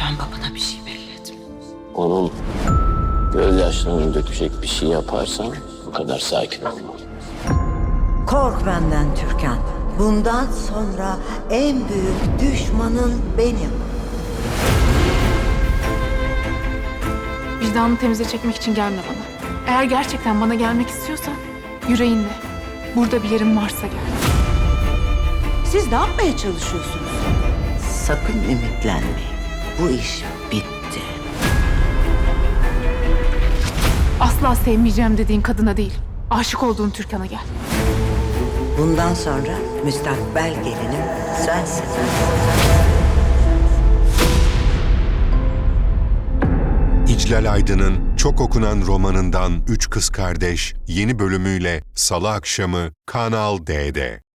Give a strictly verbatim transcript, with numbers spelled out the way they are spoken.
Lütfen babana bir şey belli etme. Onun gözyaşlarını dökecek bir şey yaparsan bu kadar sakin olma. Kork benden Türkan. Bundan sonra en büyük düşmanın benim. Vicdanını temize çekmek için gelme bana. Eğer gerçekten bana gelmek istiyorsan yüreğinle. Burada bir yerin varsa gel. Siz ne yapmaya çalışıyorsunuz? Sakın ümitlenmeyin. Bu iş bitti. Asla sevmeyeceğim dediğin kadına değil, aşık olduğun Türkan'a gel. Bundan sonra müstakbel gelinim sensin. İclal Aydın'ın çok okunan romanından Üç Kız Kardeş yeni bölümüyle Salı akşamı Kanal D'de.